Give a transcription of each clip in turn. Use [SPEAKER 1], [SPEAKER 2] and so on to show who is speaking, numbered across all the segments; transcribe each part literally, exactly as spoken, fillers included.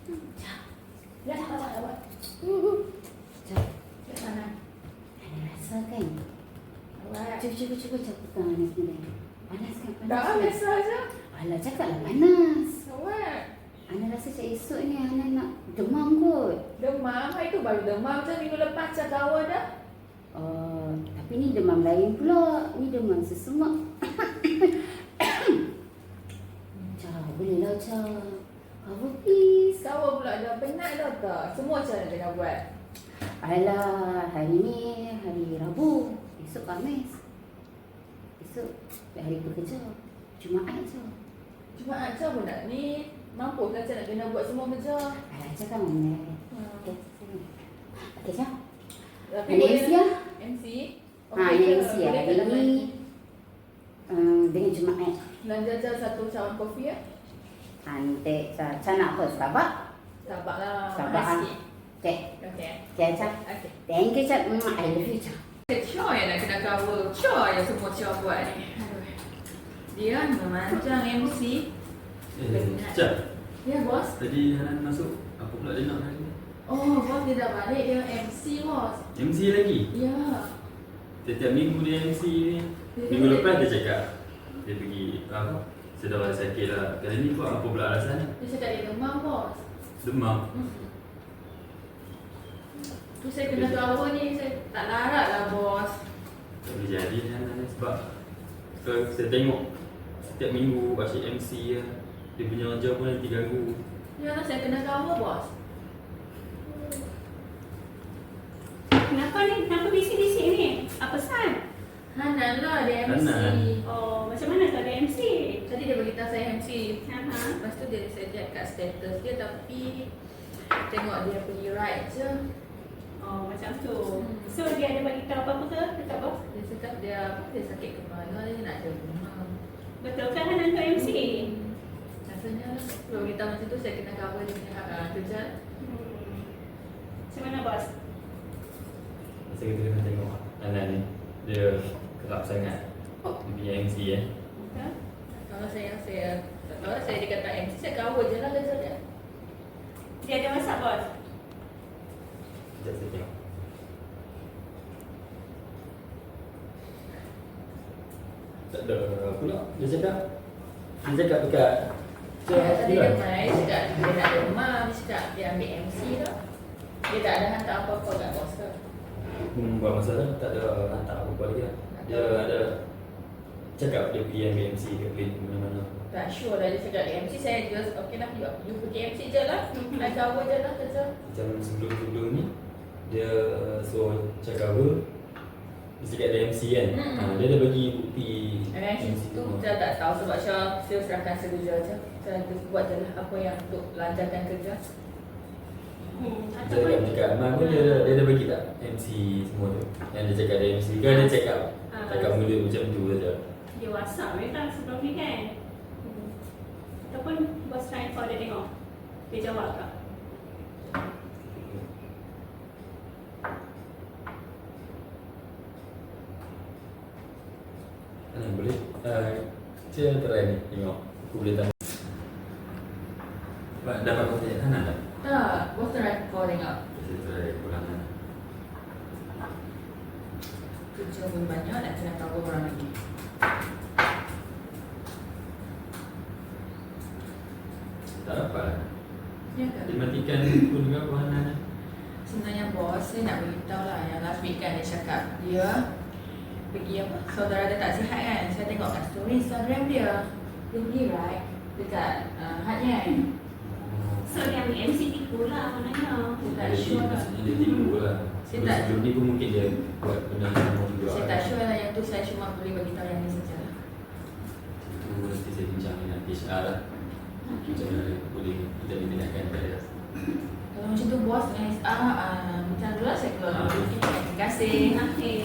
[SPEAKER 1] Ya, tak apa, tak apa.
[SPEAKER 2] Cak,
[SPEAKER 1] Ke sana.
[SPEAKER 2] ada rasa kan?
[SPEAKER 1] Awak.
[SPEAKER 2] Cuba, cuba, cuba cak pegang Anas ni. Panas kan? Panas
[SPEAKER 1] Tak
[SPEAKER 2] kan?
[SPEAKER 1] biasa aja.
[SPEAKER 2] Alah, cakaplah panas.
[SPEAKER 1] Awak.
[SPEAKER 2] Ana rasa cak esok ni Ana nak demam kot.
[SPEAKER 1] Demam, itu baru demam je minggu lepas cak kawan dah.
[SPEAKER 2] Oh, tapi ni demam lain pula. Ni demam sesemak. Cak, bolehlah cak. Cover please.
[SPEAKER 1] Kawan pula dah penat dah tak? Semua cara tengah buat.
[SPEAKER 2] Alah, hari ni hari Rabu. Esok Khamis. Esok hari bekerja. Jumaat je.
[SPEAKER 1] Cuma aja pun nak ni. Mampu kan saya nak kena buat semua kerja.
[SPEAKER 2] Alah, cak kan mana?
[SPEAKER 1] Hmm.
[SPEAKER 2] Okey, sini. Okey, cak.
[SPEAKER 1] Tapi
[SPEAKER 2] Ada M C lah.
[SPEAKER 1] M C?
[SPEAKER 2] Ha, ini M C lah. Hari ni uh, dengan Jumaat.
[SPEAKER 1] Belanja je satu cawan kopi ya.
[SPEAKER 2] Cantik, cak. Cak nak apa? Starbucks?
[SPEAKER 1] Sabar lah.
[SPEAKER 2] Starbucks.
[SPEAKER 1] Sikit.
[SPEAKER 2] Okey.
[SPEAKER 1] Okey.
[SPEAKER 2] Okey, cak.
[SPEAKER 1] Okey.
[SPEAKER 2] Thank you, cak. Mm, I love you, cak.
[SPEAKER 1] Cia yang nak kena cover. Cia yang semua Cia buat ni. Aduh. Dia memanjang M C.
[SPEAKER 3] Eh, Cak,
[SPEAKER 1] Ya bos.
[SPEAKER 3] tadi Hanan masuk, apa pula dia nak hari ni?
[SPEAKER 1] Oh bos dia dah balik dia M C bos.
[SPEAKER 3] M C lagi?
[SPEAKER 1] Ya.
[SPEAKER 3] Setiap minggu dia M C ni. Minggu lepas dia cakap dia pergi apa? Sedang sakit lah. Kali ni buat apa pula alasan?
[SPEAKER 1] Dia cakap dia demam bos.
[SPEAKER 3] Demam.
[SPEAKER 1] Hmm. Tu saya kena cover ni, saya tak larat lah bos.
[SPEAKER 3] Tak boleh jadi Hanan ni sebab kalau saya tengok setiap minggu asyik M C lah. Dia punya job pun nanti ganggu.
[SPEAKER 1] Ya lah saya kena cover bos.
[SPEAKER 4] Kenapa ni? Kenapa bisik-bisik ni? Apa sal?
[SPEAKER 1] Hanan lah dia M C.
[SPEAKER 3] Hanan.
[SPEAKER 4] Oh, macam mana tak ada M C?
[SPEAKER 1] Tadi dia beritahu saya M C.
[SPEAKER 4] Aha.
[SPEAKER 1] Lepas tu dia saya check kat status dia tapi tengok dia pergi ride je.
[SPEAKER 4] Oh, macam tu.
[SPEAKER 1] Hmm.
[SPEAKER 4] So, dia ada bagi tahu apa-apa ke? Dekat bos?
[SPEAKER 1] Dia cakap dia dia sakit kepala dia nak ada demam.
[SPEAKER 4] Betul kan Hanan tu M C?
[SPEAKER 1] Hmm. Rasanya kalau beritahu macam tu saya kena cover dia punya uh, kerja.
[SPEAKER 4] Hmm. Macam mana bos?
[SPEAKER 3] Masa kita kena tengok Hanan ni. Dia kerap sangat.
[SPEAKER 1] Oh.
[SPEAKER 3] Dia punya M C eh.
[SPEAKER 4] Betul?
[SPEAKER 1] Kalau saya saya tak tahu lah, saya dia kata M C saya cover je lah kerja dia.
[SPEAKER 4] Dia ada masak bos?
[SPEAKER 3] Sekejap saya tengok. Tak ada pula. Dia cakap Dia cakap dekat
[SPEAKER 1] Ya, tadi
[SPEAKER 3] dia
[SPEAKER 1] dia main, dia cakap dia nak demam, dia cakap dia ambil M C dah. Dia tak ada hantar apa-apa kat bos ke.
[SPEAKER 3] Hmm, buat masalah, tak ada hantar apa-apa lagi lah. Dia ada cakap dia pergi ambil M C ke plane mana-mana.
[SPEAKER 1] Tak sure lah dia cakap dia M C, saya just okey lah, you, you pergi M C je lah. I cover je lah kerja.
[SPEAKER 3] Macam sebelum-sebelum ni, dia suruh cakap apa, dia cakap ada M C kan.
[SPEAKER 1] Hmm.
[SPEAKER 3] Ha, dia dah bagi bukti
[SPEAKER 1] Dan
[SPEAKER 3] M C
[SPEAKER 1] tu
[SPEAKER 3] tu.
[SPEAKER 1] saya tak tahu sebab saya, saya serahkan sekerja je. Saya buat je lah apa yang untuk lancarkan kerja.
[SPEAKER 4] Hmm.
[SPEAKER 3] Dia cakap dekat Amal pun dia, dia dah bagi tak M C semua tu. Yang dia cakap ada M C kan, dia cakap
[SPEAKER 4] Ah,
[SPEAKER 3] cakap mula macam tu saja.
[SPEAKER 4] Dia WhatsApp mereka sebelum ni kan? Hmm. Ataupun bos try call dia tengok. Dia jawab tak?
[SPEAKER 3] Hanan boleh? Uh, saya try ni tengok. Aku boleh tanya. Dapat dapat kontak Hanan tak?
[SPEAKER 1] Tak, bos try call tengok.
[SPEAKER 3] Saya try pulangan.
[SPEAKER 1] Kerja pun banyak, nak kena cover orang lagi.
[SPEAKER 3] Tak dapat lah.
[SPEAKER 1] Ya ke?
[SPEAKER 3] Dia matikan pun juga apa Hanan.
[SPEAKER 1] Sebenarnya bos, saya nak beritahu lah yang last week kan dia cakap dia pergi apa, saudara dia tak sihat kan. Saya tengok kat story Instagram dia. Dia pergi right dekat uh, Hatnya kan.
[SPEAKER 4] So, dia ambil M C tipu lah maknanya.
[SPEAKER 1] Saya tak
[SPEAKER 3] Jadi
[SPEAKER 1] sure lah.
[SPEAKER 3] maksudnya dia tipu lah.
[SPEAKER 1] Saya tak-
[SPEAKER 3] Sebelum ni pun mungkin dia buat benda yang sama juga.
[SPEAKER 1] Saya tak sure lah yang tu, saya cuma boleh beritahu yang ni saja lah.
[SPEAKER 3] Itu mesti saya bincang dengan H R lah. Macam mana boleh kita diminatkan pada
[SPEAKER 1] Kalau macam tu bos dengan S R, uh, macam tu lah saya keluar.
[SPEAKER 3] Ah.
[SPEAKER 1] Terima kasih.
[SPEAKER 4] Okay.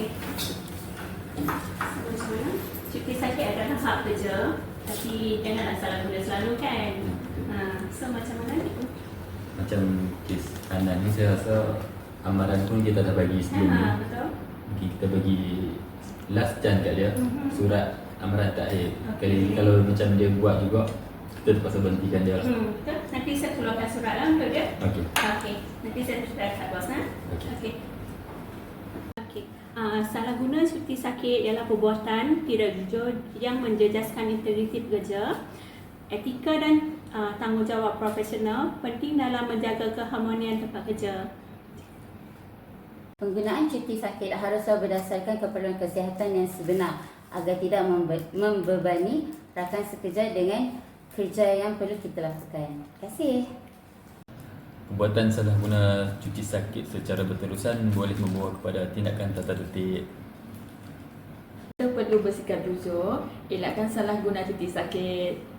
[SPEAKER 4] So, macam mana? Cuti sakit adalah hak kerja. Tapi janganlah salah guna selalu kan? Ha, so, macam mana ni?
[SPEAKER 3] macam kes Hanan ni saya rasa amaran pun kita dah bagi sebelum ni.
[SPEAKER 4] Ha, betul.
[SPEAKER 3] Mungkin kita bagi last chance kat dia.
[SPEAKER 4] Mhm.
[SPEAKER 3] Surat amaran takhir.
[SPEAKER 4] Okey.
[SPEAKER 3] Kali ni kalau macam dia buat juga, kita terpaksa berhentikan dia lah.
[SPEAKER 4] Hmm, betul. nanti saya keluarkan surat lah untuk dia.
[SPEAKER 3] Okey.
[SPEAKER 4] Okey, nanti saya sudah kat bos ha.
[SPEAKER 3] Okey.
[SPEAKER 4] Okey. Okey. Uh, salah guna cuti sakit ialah perbuatan tidak jujur yang menjejaskan integriti pekerja, etika dan uh, tanggungjawab profesional penting dalam menjaga keharmonian tempat kerja.
[SPEAKER 2] Penggunaan cuti sakit haruslah berdasarkan keperluan kesihatan yang sebenar agar tidak membe- membebani rakan sekerja dengan kerja yang perlu kita lakukan. Terima kasih.
[SPEAKER 5] Perbuatan salah guna cuti sakit secara berterusan boleh membawa kepada tindakan tata tertib.
[SPEAKER 1] Kita perlu bersikap jujur, elakkan salah guna cuti sakit.